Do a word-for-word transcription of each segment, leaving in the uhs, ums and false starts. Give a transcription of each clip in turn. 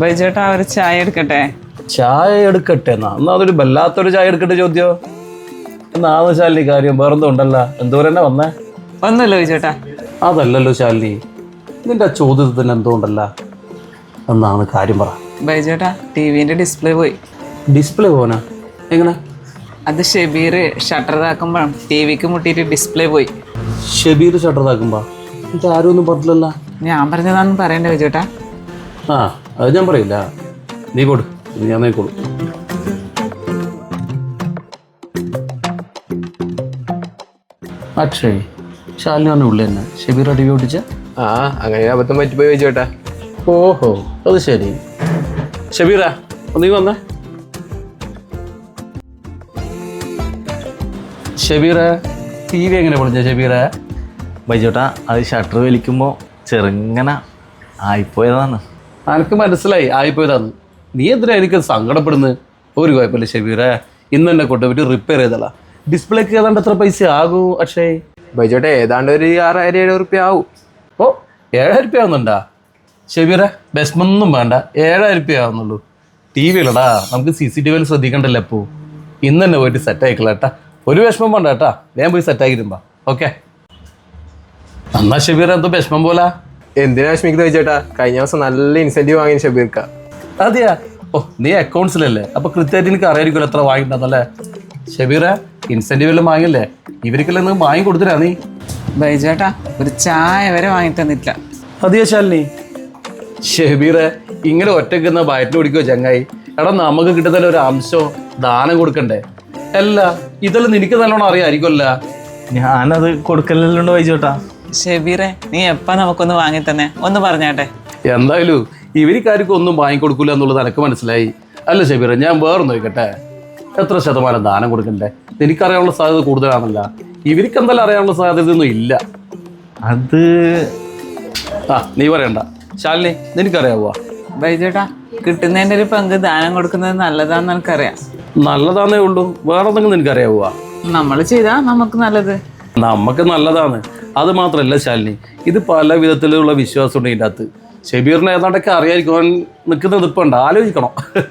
ബൈജേട്ടാ ഒരു ചായ എടുക്കട്ടെ? ചായ എടുക്കട്ടെ എന്നാ എന്നാ അതൊരു വല്ലാത്തൊരു ചായ എടുക്കട്ടെ ചോദ്യോ. എന്നാന്ന് ശാലിനി കാര്യം വേറെന്തോ ഉണ്ടല്ല, എന്തോരം തന്നെ വന്നേ? ഒന്നുമില്ല ബൈജേട്ടാ. അതല്ലല്ലോ ശാലിനി, നിന്റെ ആ ചോദ്യത്തിന് എന്തോ ഉണ്ടല്ല, എന്നാണ് കാര്യം പറ. ബൈജേട്ടാ ടി വിന്റെ ഡിസ്പ്ലേ പോയി. ഡിസ്പ്ലേ പോനാ? എങ്ങനെ? അത് ഷെബീർ ഷട്ടർ ഇതാക്കുമ്പോഴും ടി വിക്ക് മുട്ടിയിട്ട് ഡിസ്പ്ലേ പോയി. ഷെബീർ ഷട്ടർ ഇതാക്കുമ്പോ എന്നിട്ട് ആരും ഒന്നും പറഞ്ഞില്ലല്ലോ. ഞാൻ പറഞ്ഞതാണെന്ന് പറയണ്ടേ ബൈജേട്ടാ? ആ അത് ഞാൻ പറയില്ല, നീ കൊടു, ഞാൻ നോക്കോളൂ. അക്ഷയ് ശാലിനി പറഞ്ഞ ഉള്ളി തന്നെ ഷെബീർ ടി വി ഓടിച്ച? ആ അങ്ങനെ അബദ്ധം പറ്റിപ്പോയി ചോദിച്ചോട്ടാ. ഓഹോ അത് ശരി. ഷെബീറാ നീ വന്നേ. ഷെബീറെ ടി വി എങ്ങനെ പൊളിച്ച ഷെബീറെ? ബൈജോട്ടാ അത് ഷട്ടർ വലിക്കുമ്പോൾ ചെറുങ്ങനെ ആയിപ്പോയതാണ്. എനിക്ക് മനസ്സിലായി ആയിപ്പോയതാന്ന്. നീ എന്തിനാ എനിക്ക് സങ്കടപ്പെടുന്നത്? ഒരു കുഴപ്പമില്ല ഷെബീറെ, ഇന്ന് തന്നെ കൊണ്ടുപോയിട്ട് റിപ്പയർ ചെയ്തല്ല. ഡിസ്പ്ലേക്ക് ഏതാണ്ട് എത്ര പൈസ ആകൂ അക്ഷയ്? ബൈജോട്ടെ ഏതാണ്ട് ഒരു ആറായിരം ഏഴ് റുപ്യ ആവും. ഓ ഏഴായിരം റുപ്യ ആവുന്നുണ്ടാ ഷെബീറെ? ബെസ്മൊന്നും വേണ്ട, ഏഴായിരം റുപ്യ ആവുന്നുള്ളൂ. ടി വിയിലടാ, നമുക്ക് സി സി ടി വിയിൽ ശ്രദ്ധിക്കണ്ടല്ലോ. അപ്പോൾ ഇന്ന് തന്നെ പോയിട്ട് സെറ്റ് ആയിക്കളാ കേട്ടാ. ഒരു വിഷമം വേണ്ട കേട്ടാ, ഞാൻ പോയി സെറ്റ് ആക്കിയിരുമ്പാ. ഓക്കെ എന്നാ ഷെബീറെ എന്തോ വിഷമം പോലാ? എന്തിനാ വിഷമിക്കുന്നത് ചോദിച്ചോട്ടാ? കഴിഞ്ഞ ദിവസം നല്ല ഇൻസെന്റീവ് വാങ്ങി ഷബീർക്ക. അതെയാ? ഓ നീ അക്കൗണ്ട്സിലല്ലേ, അപ്പൊ കൃത്യമായിട്ട് എനിക്ക് അറിയായിരിക്കുമല്ലോ എത്ര വാങ്ങിയിട്ടുണ്ടെന്നല്ലേ. ഷെബീറെ ഇൻസെന്റീവ് എല്ലാം വാങ്ങില്ലേ? ഇവർക്കെല്ലാം നിങ്ങൾ വാങ്ങി കൊടുത്തിരാ നീ? ബൈജേട്ടാ ഒരു ചായ വരെ വാങ്ങി തന്നിട്ടില്ല. അതെയാ ശാലിനി? ഷെബീറെ ഇങ്ങനെ ഒറ്റയ്ക്കുന്ന വയറ്റിന് പിടിക്കുമോ ചങ്ങായി? എടാ നമുക്ക് കിട്ടുന്ന ഒരു അംശം ദാനം കൊടുക്കണ്ടേ? അല്ല ഇതെല്ലാം നിനക്ക് നല്ലോണം അറിയാമായിരിക്കുമല്ല. ഞാനത് കൊടുക്കലുണ്ട് ബൈജോട്ടാ. ഷെബീറെ നീ എപ്പാ നമുക്കൊന്ന് വാങ്ങി തന്നെ ഒന്ന് പറഞ്ഞാട്ടെ. എന്തായാലും ഇവർക്കാർക്കും ഒന്നും വാങ്ങിക്കൊടുക്കൂല എന്നുള്ളത് എനിക്ക് മനസ്സിലായി. അല്ല ഷെബീറെ, ഞാൻ വേറെ നോക്കട്ടെ, എത്ര ശതമാനം ദാനം കൊടുക്കണ്ടേ? എനിക്കറിയാനുള്ള സാധ്യത കൂടുതലാണല്ല, ഇവർക്ക് എന്തായാലും അറിയാനുള്ള സാധ്യതയൊന്നും ഇല്ല. അത് ആ നീ പറയണ്ട ശാലിനി, നിനക്കറിയാവോ? ബൈജേട്ടാ കിട്ടുന്നതിൻ്റെ ഒരു പങ്ക് ദാനം കൊടുക്കുന്നത് നല്ലതാന്ന് എനിക്കറിയാം. നല്ലതാന്നേ ഉള്ളൂ, വേറെ എന്തെങ്കിലും നിനക്കറിയാവോ? നമ്മൾ ചെയ്താ നമുക്ക് നല്ലത്. നമുക്ക് നല്ലതാണ്. അത് മാത്രമല്ല ശാലിനി, ഇത് പല വിധത്തിലുള്ള വിശ്വാസം ഉണ്ട് ഇതിൻ്റെ അകത്ത്. ഷെബീറിനെ ഏതാണ്ടൊക്കെ അറിയായിരിക്കും അവൻ നിൽക്കുന്നത്. ഇപ്പം ഉണ്ട്, ആലോചിക്കണം.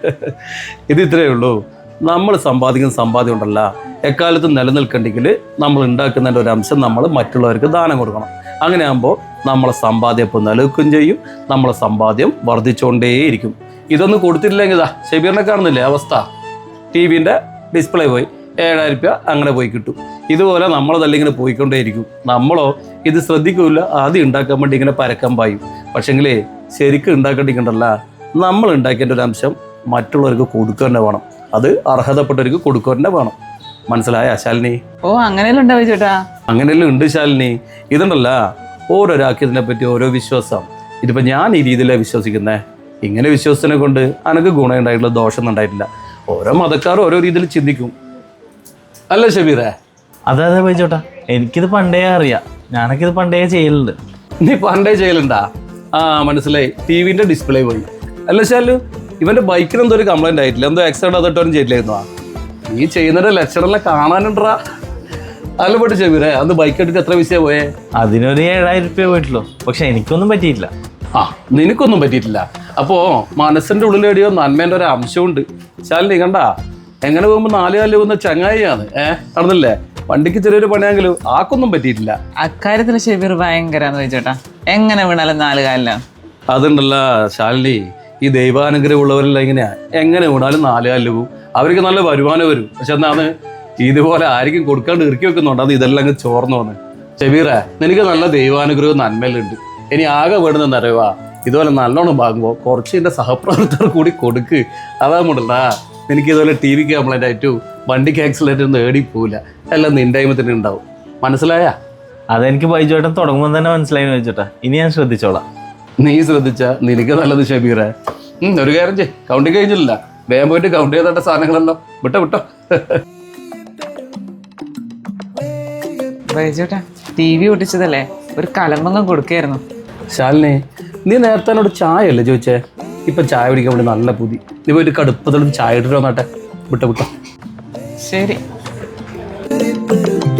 ഇത് ഇത്രയേ ഉള്ളൂ. നമ്മൾ സമ്പാദിക്കുന്ന സമ്പാദ്യം ഉണ്ടല്ല, എക്കാലത്തും നിലനിൽക്കണ്ടെങ്കിൽ നമ്മൾ ഉണ്ടാക്കുന്നതിൻ്റെ ഒരു അംശം നമ്മൾ മറ്റുള്ളവർക്ക് ദാനം കൊടുക്കണം. അങ്ങനെ ആകുമ്പോൾ നമ്മളെ സമ്പാദ്യം ഇപ്പം നിലനിൽക്കുകയും ചെയ്യും, നമ്മളെ സമ്പാദ്യം വർദ്ധിച്ചുകൊണ്ടേയിരിക്കും. ഇതൊന്നും കൊടുത്തിട്ടില്ലെങ്കിൽ ഇതാ ഷെബീറിനെ കാണുന്നില്ലേ അവസ്ഥ? ടി വിൻ്റെ ഡിസ്പ്ലേ പോയി, ഏഴായിരം രൂപ അങ്ങനെ പോയി കിട്ടും. ഇതുപോലെ നമ്മളതല്ല ഇങ്ങനെ പോയിക്കൊണ്ടേയിരിക്കും. നമ്മളോ ഇത് ശ്രദ്ധിക്കില്ല, ആദ്യം ഉണ്ടാക്കാൻ വേണ്ടി ഇങ്ങനെ പരക്കം പായും. പക്ഷെങ്കിലേ ശരിക്കും ഉണ്ടാക്കേണ്ടിക്കണ്ടല്ല, നമ്മൾ ഉണ്ടാക്കേണ്ട ഒരു അംശം മറ്റുള്ളവർക്ക് കൊടുക്കുക തന്നെ വേണം. അത് അർഹതപ്പെട്ടവർക്ക് കൊടുക്കുക തന്നെ വേണം. മനസ്സിലായ ശാലിനി? ഓ അങ്ങനെയല്ല ഉണ്ടാവും ചേട്ടാ. അങ്ങനെയല്ലേ ഉണ്ട് ശാലിനി. ഇതുണ്ടല്ല, ഓരോരാൾക്ക് ഇതിനെപ്പറ്റി ഓരോ വിശ്വാസം. ഇതിപ്പോൾ ഞാൻ ഈ രീതിയിലാണ് വിശ്വസിക്കുന്നത്. ഇങ്ങനെ വിശ്വസത്തിനെ കൊണ്ട് എനിക്ക് ഗുണം ഉണ്ടായിട്ടുള്ള ദോഷം ഉണ്ടായിട്ടില്ല. ഓരോ മതക്കാരും ഓരോ രീതിയിൽ ചിന്തിക്കും, അല്ലേ ഷെബീറെ? അതെ അതെ ബൈജോട്ടാ, എനിക്കിത് പണ്ടേ അറിയാം. ഞാനൊക്കെ ഇത് പണ്ടേ ചെയ്യലുണ്ട്. നീ പണ്ടേ ചെയ്യലുണ്ടാ? ആ മനസ്സിലായി. ടി വിൻ്റെ ഡിസ്പ്ലേ പോയി അല്ല ശാലു? ഇവൻ്റെ ബൈക്കിന് എന്തോ ഒരു കംപ്ലൈൻറ്റ് ആയിട്ടില്ല, എന്തോ ആക്സിഡൻറ്റ് അതിട്ടോനും ചെയ്തില്ലായിരുന്നു. നീ ചെയ്യുന്നതിൻ്റെ ലക്ഷണമെല്ലാം കാണാനുണ്ടാ? അല്ല പോട്ട് ഷെബീറെ, അന്ന് ബൈക്ക് എടുത്തിട്ട് എത്ര പൈസ പോയേ? അതിനൊരു ഏഴായിരം രൂപ പോയിട്ടുള്ളൂ. പക്ഷെ എനിക്കൊന്നും പറ്റിയില്ല. ആ നിനക്കൊന്നും പറ്റിയിട്ടില്ല. അപ്പോൾ മനസ്സിൻ്റെ ഉള്ളിലെടിയോ നന്മേൻ്റെ ഒരു അംശമുണ്ട്. ശാലിനി കണ്ടാ, എങ്ങനെ പോകുമ്പോൾ നാല് കാലിൽ പോകുന്ന ചങ്ങായിയാണ്. ഏഹ് നടന്നില്ലേ? വണ്ടിക്ക് ചെറിയൊരു പണിയാണെങ്കിലും ആക്കൊന്നും പറ്റിയിട്ടില്ല. അക്കാര്യത്തിൽ ഷെബീർ ഭയങ്കരാന്ന് ചോദിച്ചേട്ടാ. എങ്ങനെ വീണാലും നാല് കാലിലാണ്. അതുണ്ടല്ല ശാലിനി, ഈ ദൈവാനുഗ്രഹം ഉള്ളവരെല്ലാം ഇങ്ങനെയാ, എങ്ങനെ വീണാലും നാല് കാലിൽ പോകും. അവർക്ക് നല്ല വരുമാനം വരും. പക്ഷെ എന്നാണ് ഇതുപോലെ ആർക്കും കൊടുക്കാണ്ട് ഇറക്കി വെക്കുന്നുണ്ട്. അത് ഇതെല്ലാം അങ്ങ് ചോർന്നു വന്ന്. ഷെബീറെ നിനക്ക് നല്ല ദൈവാനുഗ്രഹവും നന്മയിലുണ്ട്. ഇനി ആകെ വേണമെന്ന് അറിയുക, ഇതുപോലെ നല്ലോണം വാങ്ങുമ്പോൾ കുറച്ച് എൻ്റെ സഹപ്രവർത്തകർ കൂടി കൊടുക്ക്. അതാകുമ്പോണ്ടല്ലാ എനിക്ക് ഇതുപോലെ ടി വിക്ക് കംപ്ലൈൻ്റ് ആയിട്ടും വണ്ടിക്ക് ആക്സിഡൻറ്റ് ഒന്നും ഏടി പോവില്ല. എല്ലാം നിൻ്റെ ടൈമത്തിന് ഉണ്ടാവും. മനസ്സിലായ? അതെനിക്ക് ബൈജോട്ടൻ തുടങ്ങുമ്പോൾ തന്നെ മനസ്സിലായി ചോദിച്ചോട്ടാ. ഇനി ഞാൻ ശ്രദ്ധിച്ചോളാം. നീ ശ്രദ്ധിച്ച നിനക്ക് നല്ലത് ഷെബീറെ. ഒരു കാര്യം ചെയ്യ്, കൗണ്ടിങ് കഴിഞ്ഞില്ല, വേഗം പോയിട്ട് കൗണ്ട് ചെയ്തേണ്ട സാധനങ്ങളെല്ലാം വിട്ടോ വിട്ടോ. ബൈജോട്ടാ ടി വി ഒട്ടിച്ചതല്ലേ, ഒരു കലമ്പങ്ങം കൊടുക്കായിരുന്നു. ശാലിനി, നീ നേരത്തെ എന്നോട് ചായ അല്ലേ ചോദിച്ചേ? ഇപ്പം ചായ കുടിക്കാൻ വേണ്ടി നല്ല പുതി. നീ പോയിട്ട് കടുപ്പത്തോട് ചായ ഇട്ടിട്ട് വന്നാട്ടെ. വിട്ടോ വിട്ടോ. ശരി.